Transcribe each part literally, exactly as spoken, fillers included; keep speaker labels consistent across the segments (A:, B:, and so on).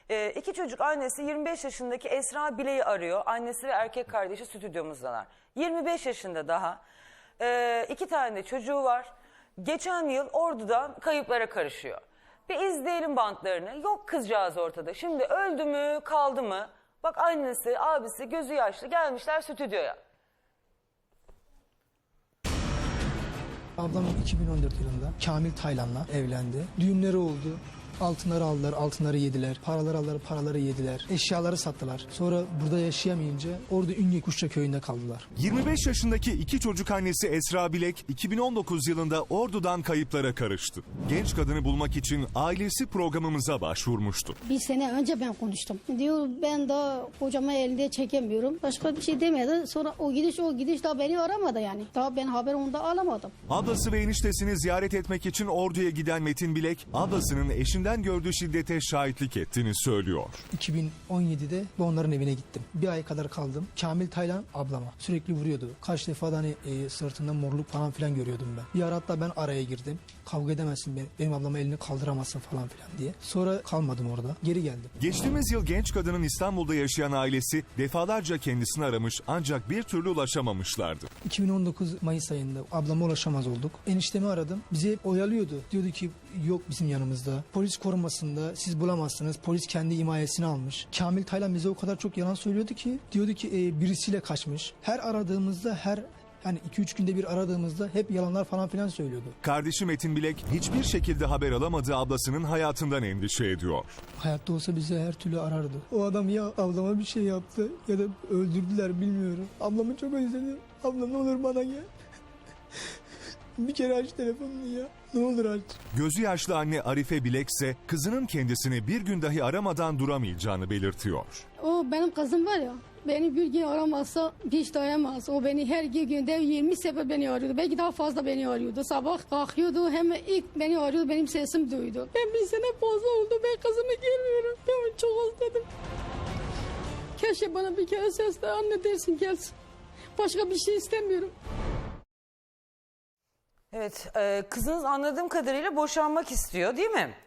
A: Ee, iki çocuk annesi yirmi beş yaşındaki Esra Bilek'i arıyor. Annesi ve erkek kardeşi stüdyomuzdalar. yirmi beş yaşında daha. Ee, iki tane de çocuğu var. Geçen yıl Ordu'dan kayıplara karışıyor. Bir izleyelim bantlarını. Yok kızcağız ortada. Şimdi öldü mü kaldı mı? Bak annesi, abisi gözü yaşlı gelmişler stüdyoya.
B: Ablam iki bin on dört yılında Kamil Taylan'la evlendi. Düğünleri oldu. Altınları aldılar, altınları yediler. Paraları aldılar, paraları yediler. Eşyaları sattılar. Sonra burada yaşayamayınca Ordu Ünye Kuşça köyünde kaldılar.
C: yirmi beş yaşındaki iki çocuk annesi Esra Bilek iki bin on dokuz yılında Ordu'dan kayıplara karıştı. Genç kadını bulmak için ailesi programımıza başvurmuştu.
D: Bir sene önce ben konuştum. Diyor ben daha kocamı elinde çekemiyorum. Başka bir şey demedi. Sonra o gidiş o gidiş daha beni aramadı yani. Daha ben haber onda alamadım.
C: Ablası ve eniştesini ziyaret etmek için Ordu'ya giden Metin Bilek, ablasının eşinden gördüğü şiddete şahitlik ettiğini söylüyor.
B: iki bin on yedide ben onların evine gittim. Bir ay kadar kaldım. Kamil Taylan ablama sürekli vuruyordu. Kaç defa da hani e, sırtında morluk falan filan görüyordum ben. Bir ara hatta ben araya girdim. Kavga edemezsin benim, benim ablama elini kaldıramazsın falan filan diye. Sonra kalmadım orada. Geri geldim.
C: Geçtiğimiz yıl genç kadının İstanbul'da yaşayan ailesi defalarca kendisini aramış ancak bir türlü ulaşamamışlardı.
B: iki bin on dokuz Mayıs ayında ablama ulaşamaz olduk. Eniştemi aradım. Bizi hep oyalıyordu. Diyordu ki yok bizim yanımızda. Polis korumasında siz bulamazsınız. Polis kendi himayesine almış. Kamil Taylan bize o kadar çok yalan söylüyordu ki. Diyordu ki e, birisiyle kaçmış. Her aradığımızda her yani iki üç günde bir aradığımızda hep yalanlar falan filan söylüyordu.
C: Kardeşi Metin Bilek hiçbir şekilde haber alamadığı ablasının hayatından endişe ediyor.
B: Hayatta olsa bizi her türlü arardı. O adam ya ablama bir şey yaptı ya da öldürdüler bilmiyorum. Ablamı çok özledim. Abla ne olur bana gel. Bir kere aç telefonunu ya. Ne olur aç.
C: Gözü yaşlı anne Arife Bilek ise kızının kendisini bir gün dahi aramadan duramayacağını belirtiyor.
D: O benim kızım var ya. Beni bir gün aramazsa hiç dayanamaz. O beni her günde yirmi sefer beni arıyordu. Belki daha fazla beni arıyordu. Sabah kalkıyordu hemen ilk beni arıyordu. Benim sesim duydu. Ben bir sene fazla oldu. Ben kızımı görmüyorum. Ben onu çok özledim. Keşke bana bir kere sesle anne dersin gelsin. Başka bir şey istemiyorum.
A: Evet, e, kızınız anladığım kadarıyla boşanmak istiyor değil mi?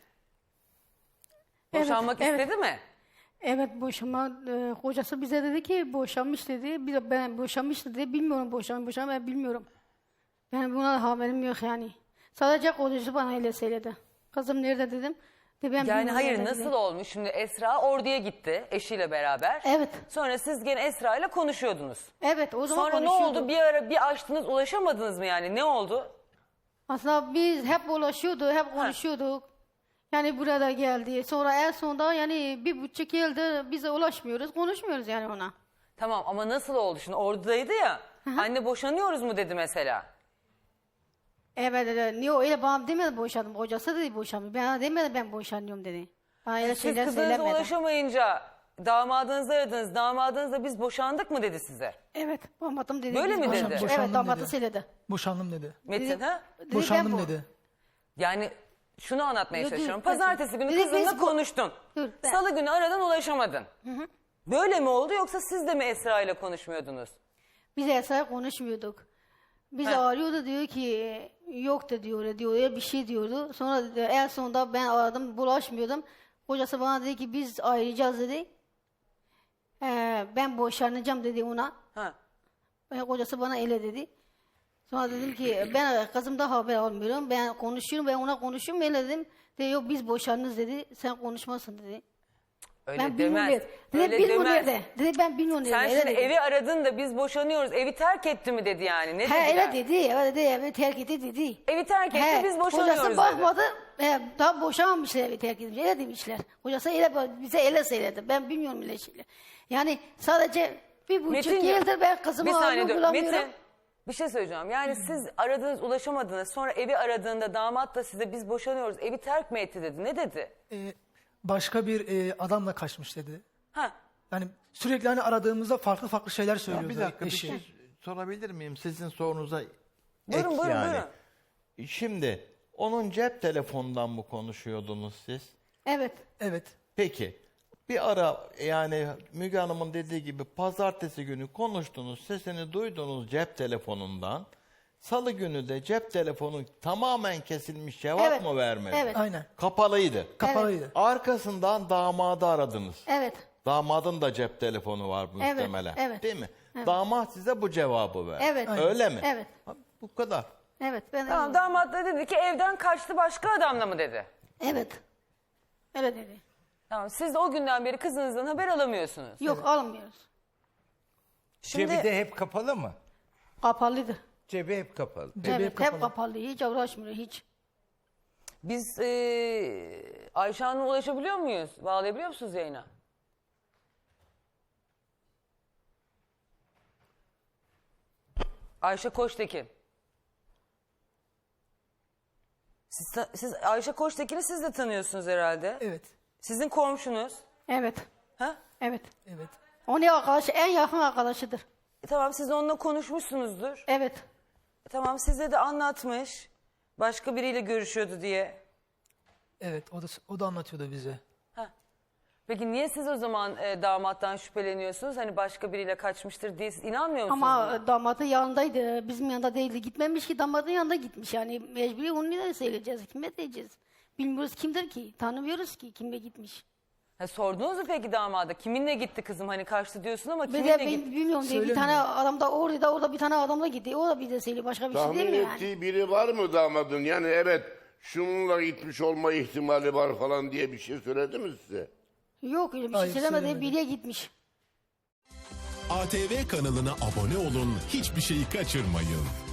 A: Boşanmak
D: evet,
A: istedi
D: evet.
A: mi?
D: Evet boşanma e, kocası bize dedi ki boşanmış dedi. Biz de ben boşanmış dedi. Bilmiyorum boşan boşan ben bilmiyorum. Ben buna haberim yok yani. Sadece kocası bana öyle söyledi. Kızım nerede dedim. De ben
A: Yani
D: bilmiyorum
A: hayır
D: nerede
A: nasıl
D: dedi.
A: olmuş? Şimdi Esra Ordu'ya gitti eşiyle beraber.
D: Evet.
A: Sonra siz gene Esra ile konuşuyordunuz.
D: Evet o zaman
A: Sonra ne
D: konuşuyorduk.
A: oldu? Bir ara bir açtınız ulaşamadınız mı yani? Ne oldu?
D: Aslında biz hep ulaşıyorduk, hep konuşuyorduk. Yani burada geldi. Sonra en sonunda yani bir buçuk yıldır bize ulaşmıyoruz, konuşmuyoruz yani ona.
A: Tamam ama nasıl oldu? Şimdi Ordu'daydı ya. Anne boşanıyoruz mu dedi mesela.
D: Evet dedi. Niye öyle bana demedi boşandım. Kocası dedi boşanmıyor. Ben demedi ben boşanıyorum dedi. Bana öyle
A: Siz
D: şeyler
A: kızınıza
D: söylemedi.
A: ulaşamayınca damadınızı aradınız. Damadınız da biz boşandık mı dedi size.
D: Evet damadım dedi.
A: Böyle
D: biz
A: mi dedi?
D: boşanmış.
B: Boşandım
D: Evet damadı
B: dedi.
D: söyledi.
B: Boşandım dedi.
A: Metin
D: Dedi-
A: ha?
D: dedi,
B: Boşandım
D: ben bu-
B: dedi.
A: Yani şunu anlatmaya
D: Dur, dur,
A: çalışıyorum.
D: dur.
A: Pazartesi günü
D: Dedi,
A: kızınla
D: biz bu-
A: konuştun.
D: Dur, ben-
A: Salı günü aradan ulaşamadın. Böyle mi oldu yoksa siz de mi Esra ile konuşmuyordunuz?
D: Biz Esra'ya konuşmuyorduk. Biz
A: Ha.
D: arıyordu diyor ki yok da diyor diyor ya bir şey diyordu. Sonra dedi, en sonunda ben aradım bulaşmıyordum. Kocası bana dedi ki biz ayrılacağız dedi. Ee, ben boşanacağım dedi ona.
A: Ha.
D: Ben, kocası bana öyle dedi. Sonra dedim ki ben kızımda haber almıyorum. Ben konuşuyorum ben ona konuşuyorum öyle dedim. Dedi yok biz boşanırız dedi. Sen konuşmasın dedi.
A: Öyle
D: Ben bilmiyorum
A: demez.
D: dedi. Dedi
A: Öyle
D: bilmiyorum
A: demez.
D: nerede. Dedi ben bilmiyorum
A: Sen
D: nerede.
A: şimdi
D: Öyle dedi.
A: evi aradın da biz boşanıyoruz. Evi terk etti mi dedi yani. Ne
D: He
A: dediler?
D: öyle dedi. Öyle dedi. Evet terk etti dedi.
A: Evi terk etti
D: He,
A: biz boşanıyoruz
D: kocası
A: dedi.
D: bakmadı. He, daha boşanmamışlar evi terk etmiş. Öyle demişler. Kocası öyle, bize öyle söyledi. Ben bilmiyorum öyle şeyler. Yani sadece bir buçuk
A: Metin'ciğim,
D: yıldır ben kızımı
A: bir saniye
D: arıyorum
A: dur.
D: bulamıyorum.
A: Metin, bir şey söyleyeceğim. Yani siz aradınız ulaşamadınız. Sonra evi aradığında damat da size biz boşanıyoruz. Evi terk mi etti dedi. Ne dedi?
B: Ee, başka bir e, adamla kaçmış dedi.
A: Ha.
B: Yani sürekli hani aradığımızda farklı farklı şeyler
E: Ya
B: söylüyordu
E: bir dakika bir
B: eşi.
E: şey sorabilir miyim? Sizin sorunuza ek
A: Buyurun, buyurun,
E: yani.
A: buyurun.
E: Şimdi onun cep telefonundan mı konuşuyordunuz siz?
D: Evet.
B: Evet.
E: Peki bir ara yani Müge Hanım'ın dediği gibi pazartesi günü konuştunuz, sesini duydunuz cep telefonundan. Salı günü de cep telefonu tamamen kesilmiş, cevap
D: Evet,
E: mı vermedi?
D: evet.
B: Aynen.
E: Kapalıydı.
B: Kapalıydı.
E: Arkasından damadı aradınız.
D: Evet.
E: Damadın da cep telefonu var
D: Evet,
E: muhtemelen.
D: evet.
E: Değil mi?
D: Evet.
E: Damat size bu cevabı verdi.
D: Evet.
E: Öyle mi?
D: Evet.
E: Ha, bu kadar.
D: Evet. Ben
A: Tamam, damat da dedi ki evden kaçtı, başka adamla mı dedi.
D: Evet. Öyle dedi.
A: Tamam, siz de o günden beri kızınızdan haber alamıyorsunuz.
D: Yok almıyoruz.
A: Şimdi
F: Cebi de hep kapalı mı?
D: Kapalıydı.
F: Cebi hep kapalı.
B: Cebi
D: evet
B: hep kapalı.
D: hep kapalı. Hiç uğraşmıyor hiç.
A: biz e, Ayşe Hanım'a ulaşabiliyor muyuz? Bağlayabiliyor musunuz yayına? Ayşe Koçtekin. Siz, ta- siz Ayşe Koçtekin'i siz de tanıyorsunuz herhalde.
B: Evet.
A: Sizin komşunuz.
D: Evet.
A: Ha?
D: Evet.
B: Evet.
D: Onun arkadaşı en yakın arkadaşıdır.
A: E, tamam, siz onunla konuşmuşsunuzdur.
D: Evet.
A: E, tamam, size de anlatmış. Başka biriyle görüşüyordu diye.
B: Evet. O da o da anlatıyordu bize.
A: Peki niye siz o zaman e, damattan şüpheleniyorsunuz? Hani başka biriyle kaçmıştır diye siz inanmıyor musunuz? buna?
D: Ama damatın yanındaydı. Bizim yanında değildi. Gitmemiş ki damadın yanında gitmiş. Yani mecburi onu neden söyleyeceğiz? Kime diyeceğiz? Bilmiyoruz kimdir ki. Tanımıyoruz ki kimle gitmiş.
A: Ha, sordunuz mu peki damada? Kiminle gitti kızım? Hani kaçtı diyorsun ama
D: Bir
A: kiminle
D: de ben
A: gitti?
D: bilmiyorum diye bir tane adam da orada da orada bir tane adamla gitti. O da bir de söylüyor. Başka bir şey
G: Tahmin
D: değil mi yani?
G: ettiği biri var mı damadın? Yani evet şununla gitmiş olma ihtimali var falan diye bir şey söyledi mi size?
D: Yok öyle bir şey
B: Hayır,
D: söylemedi.
B: söylemedi.
D: Biriye gitmiş.
H: A T V kanalına abone olun, hiçbir şeyi kaçırmayın.